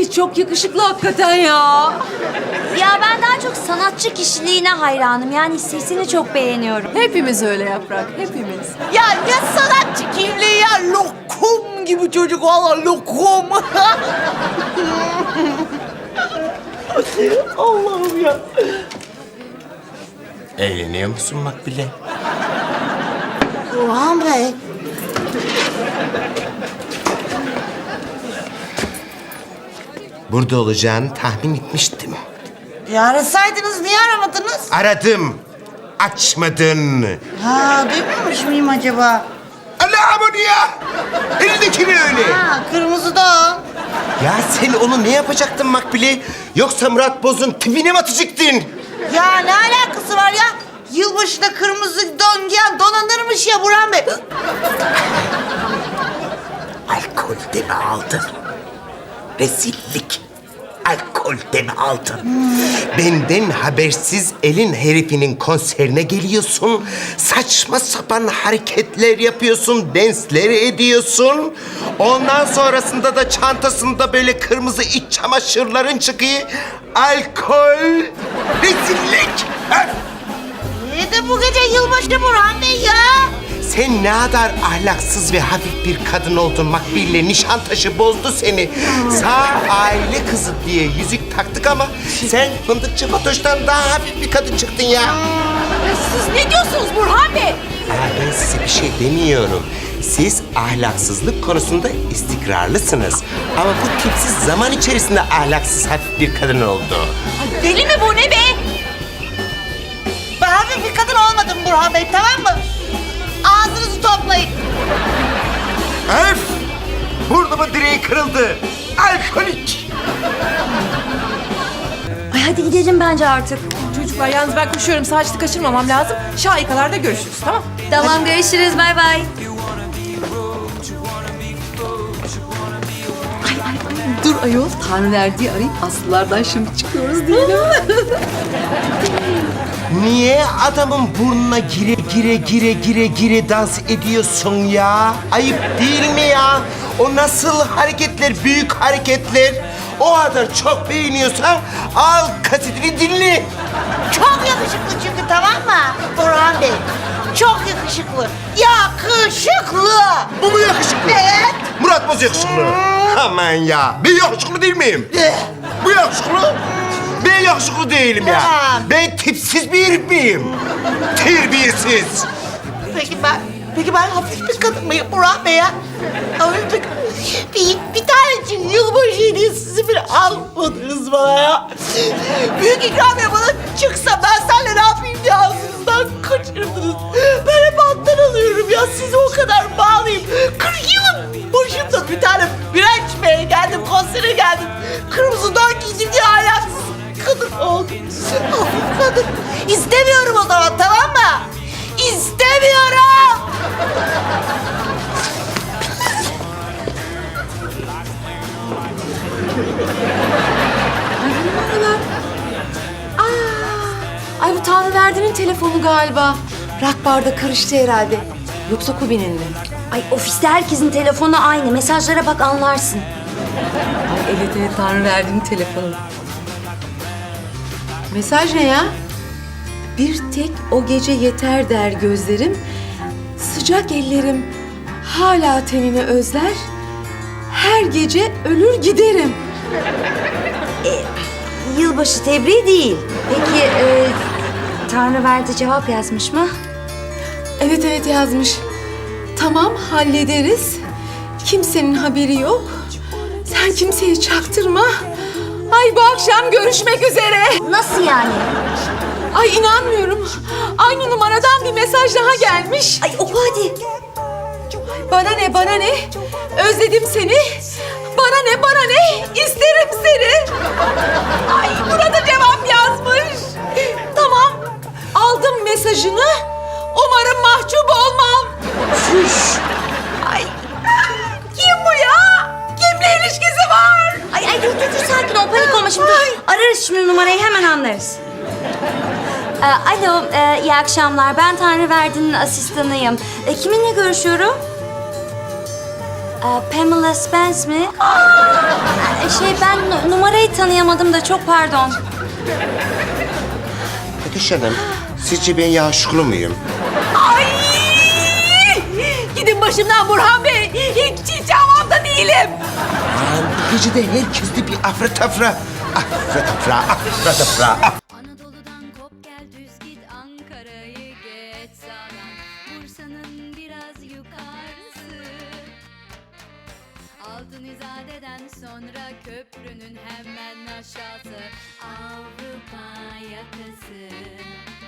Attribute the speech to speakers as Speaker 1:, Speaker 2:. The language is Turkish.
Speaker 1: Ay çok yakışıklı hakikaten ya.
Speaker 2: Ya ben daha çok sanatçı kişiliğine hayranım. Yani sesini çok beğeniyorum.
Speaker 1: Hepimiz öyle Yaprak, hepimiz.
Speaker 3: Ya ne sanatçı kimliği ya. Lokum gibi çocuk valla lokum. Allah'ım ya.
Speaker 4: Eğleniyor musun Makbule?
Speaker 3: Burhan Bey.
Speaker 4: Burada olacağını tahmin etmiştim.
Speaker 3: Ya arasaydınız niye aramadınız?
Speaker 4: Aradım. Açmadın.
Speaker 3: Ha duymamış mıyım acaba?
Speaker 4: Allah'ım onu ya! Elindekini öyle.
Speaker 3: Ha kırmızı don.
Speaker 4: Ya sen onu ne yapacaktın Makbule? Yoksa Murat Boz'un tipine mi atacaktın?
Speaker 3: Ya ne alakası var ya? Yılbaşında kırmızı don giyen donanırmış ya Burhan Bey.
Speaker 4: Alkol de mi aldın? Rezillik. Alkol de mi aldın? Benden habersiz elin herifinin konserine geliyorsun. Saçma sapan hareketler yapıyorsun, dansler ediyorsun. Ondan sonrasında da çantasında böyle kırmızı iç çamaşırların çıkıyor. Alkol, rezillik. Öf!
Speaker 3: Neydi bu gece yılbaşı Burhan Bey ya?
Speaker 4: Sen ne kadar ahlaksız ve hafif bir kadın oldun Makbule. Nişantaşı bozdu seni. Sağ aile kızı diye yüzük taktık ama sen fındıkçı Fatoş'tan daha hafif bir kadın çıktın ya.
Speaker 1: Siz ne diyorsunuz Burhan Bey?
Speaker 4: Ben size bir şey demiyorum. Siz ahlaksızlık konusunda istikrarlısınız. Ama bu tipsiz zaman içerisinde ahlaksız hafif bir kadın oldu.
Speaker 1: Ay, deli mi bu ne be?
Speaker 3: Ben hafif bir kadın olmadım Burhan Bey tamam mı? Ağzınızı toplayın.
Speaker 4: Öf! Burnumun direği kırıldı. Alkolik.
Speaker 2: Ay hadi gidelim bence artık.
Speaker 1: Çocuklar yalnız ben koşuyorum. Saçlı kaçırmamam lazım. Şahikalarda görüşürüz tamam?
Speaker 2: Tamam görüşürüz bay bay.
Speaker 1: Dur ayol. Tanrı verdiği arayıp Aslılardan şimdi çıkıyoruz diyelim.
Speaker 4: Niye adamın burnuna gire dans ediyorsun ya? Ayıp değil mi ya? O nasıl hareketler, büyük hareketler? O kadar çok beğeniyorsan al kasetini dinle.
Speaker 3: Çok yakışıklı çünkü tamam mı Burhan Bey? Çok yakışıklı. Yakışıklı.
Speaker 4: Bu mu yakışıklı?
Speaker 3: Evet.
Speaker 4: Murat Boz yakışıklı. Aman ya. Ben yakışıklı değil miyim? Bu yakışıklı. Ben yakışıklı değilim ya.
Speaker 3: Tamam.
Speaker 4: Ben tipsiz bir herif miyim? Terbiyesiz.
Speaker 3: Peki ben hafif bir kadın mıyım Burhan Bey ya? Hafif bir tanecik yılbaşı hediyesi bile almadınız bana ya. Büyük ikramiye bana çıksa ben seninle ne yapayım diye ağzınızdan kaçırdınız. Ben hep alttan alıyorum ya size o kadar bağlıyım. 40 yılın başımda bir tane bira içmeye geldim, konsere geldim. Kırmızı don giydim diye ahlaksız kadın oldum. Hafif kadın. İstemiyorum o zaman tamam mı? İstemiyorum.
Speaker 1: Ay bu Tanrı verdiğinin telefonu galiba. Rock barda karıştı herhalde. Yoksa Kubi'nin mi?
Speaker 2: Ay ofiste herkesin telefonu aynı. Mesajlara bak anlarsın.
Speaker 1: Ay evet Tanrı verdiğinin telefonu. Mesaj ne ya? Bir tek o gece yeter der gözlerim. Sıcak ellerim hala tenini özler. Her gece ölür giderim.
Speaker 2: Yılbaşı tebriği değil. Peki Tanrı verdi cevap yazmış mı?
Speaker 1: Evet yazmış. Tamam hallederiz. Kimsenin haberi yok. Sen kimseye çaktırma. Ay bu akşam görüşmek üzere.
Speaker 2: Nasıl yani?
Speaker 1: Ay inanmıyorum. Aynı numaradan bir mesaj daha gelmiş.
Speaker 2: Ay oku hadi.
Speaker 1: Bana ne? Özledim seni. Bana ne? İsterim seni. Ay burada cevap yazmış. Tamam. Aldım mesajını. Umarım mahcup olmam. Şuş. Ay. Kim bu ya? Kimle ilişkisi var?
Speaker 2: Ay dur sakin ol panik olma şimdi. Ararız şimdi numarayı hemen anlarız. Alo iyi akşamlar ben Tanrı Verdi'nin asistanıyım. Kiminle görüşüyorum? Pamela Spence mi? Ben numarayı tanıyamadım da çok pardon.
Speaker 4: Fatoş Hanım, sizce ben yakışıklı muyum?
Speaker 3: Ay! Gidin başımdan Burhan Bey. Hiç havamda değilim.
Speaker 4: Lan bu gece de herkeste bir afra tafra. Afra tafra, afra tafra.
Speaker 5: Anadolu'dan kop gel düz git Ankara'yı geç sağdan Bursa'nın biraz yukarısı Altın İzade'den sonra köprünün hemen aşağısı Avrupa yakası